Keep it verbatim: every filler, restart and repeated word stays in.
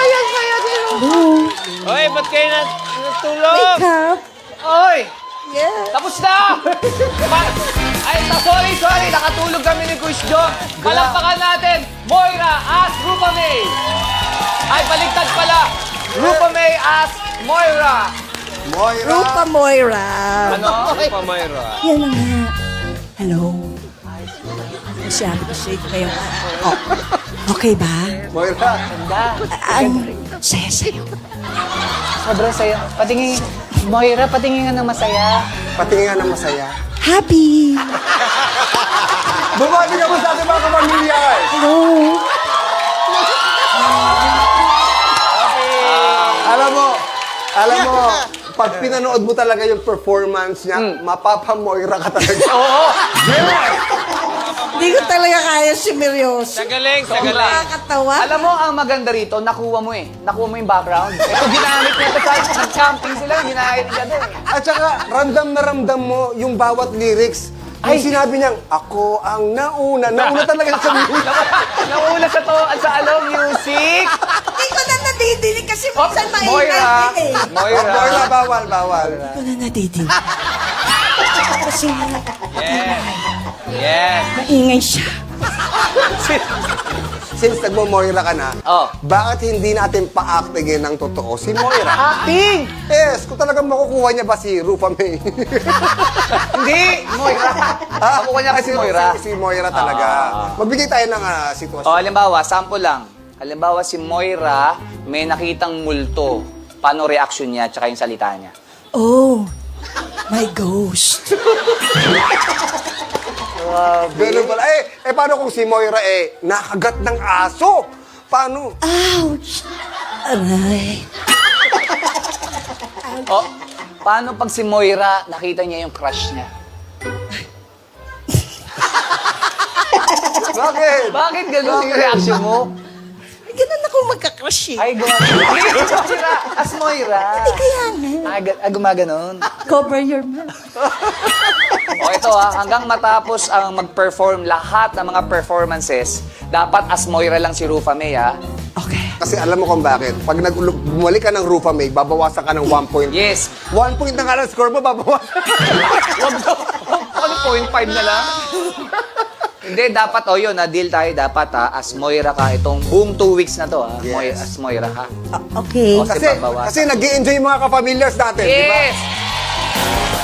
Ayan kaya din. Oy, ba't kayo nat natulog? Wake up. Oy! Yeah. Tapos na! Pa- Ay, ta- sorry, sorry. Nakatulog kami ni Kuya Joe. Palakpakan natin. Moira as Rupa May. Ay, baligtad pala. Rupa May as Moira. Moira. Rupa Moira. Ano? Rupa Moira. Yan na nga. Hello. Masyado ko shake kayo. Oh. Okay ba? Moira. Ang saya sa'yo. Sobrang saya. Patingin, Moira, patingin nga ng masaya. Patingin nga ng masaya. Happy. Bumati ka mo sa ating mga kapamilya. Hello. Alam mo, alam mo, pag pinanood mo talaga yung performance niya, mapapa-Moira ka talaga. Oo. Hindi ko talaga kaya si Mirioso. Sa galing, sa galing. Nakakatawa. Alam mo, ang maganda rito, nakuha mo eh. Nakuha mo yung background. Ito, ginamit niya ito kahit nag-camping sila, ginamit niya ito eh. At saka, ramdam na ramdam mo yung bawat lyrics. Ay, sinabi niyang, ako ang nauna. Nauna talaga siya sa music. Nauna sa to, sa ano, music. Hindi ko na nadidinig kasi Oh, minsan maingay Moira. din eh. Moira. Oh, Moira, bawal, bawal. Hindi ko na nadidinig. Kasi Yes. Yes. maingay siya. Since nagmo-Moira ka na, Oh. bakit hindi natin pa-actingin ng totoo si Moira? Acting! Yes, kung talagang makukuha niya ba si Rupa May? Hindi, Moira. Nakuha niya kasi si, Moira. Si, si Moira talaga. Magbigay tayo ng ah, sitwasyon. O, halimbawa, sample lang. Halimbawa, si Moira, may nakitang multo. Paano reaction niya, tsaka yung salita niya? Oh, my ghost. Ganun pala. Eh, eh, paano kung si Moira eh, nakagat ng aso? Paano? Ouch! Aray. O, paano pag si Moira, nakita niya yung crush niya? Bakit? Bakit ganun yung reaction mo? Ganun ako magka-crush eh. Ay, gumaganon. Moira, as Moira. Hindi kaya nga. Ah, ga- ah, gumaganon. Cover your mouth. O ito ha, hanggang matapos ang mag-perform lahat ng mga performances, dapat as Moira lang si Rufa May ha. Okay. Kasi alam mo kung bakit. Pag nag bumalik ka ng Rupa May, babawasan ka ng one point. Yes. One point na nga lang score mo, babawasan. Wag daw. Ano, point five na lang? Hindi, dapat, o yun, na deal tayo, dapat ha, as Moira ka, itong buong two weeks na to ha, Yes. Moira, as Moira ka. O- okay. O, Kasi, babawasan. kasi nag-i-enjoy yung mga kapamilyas natin, di ba? Yes!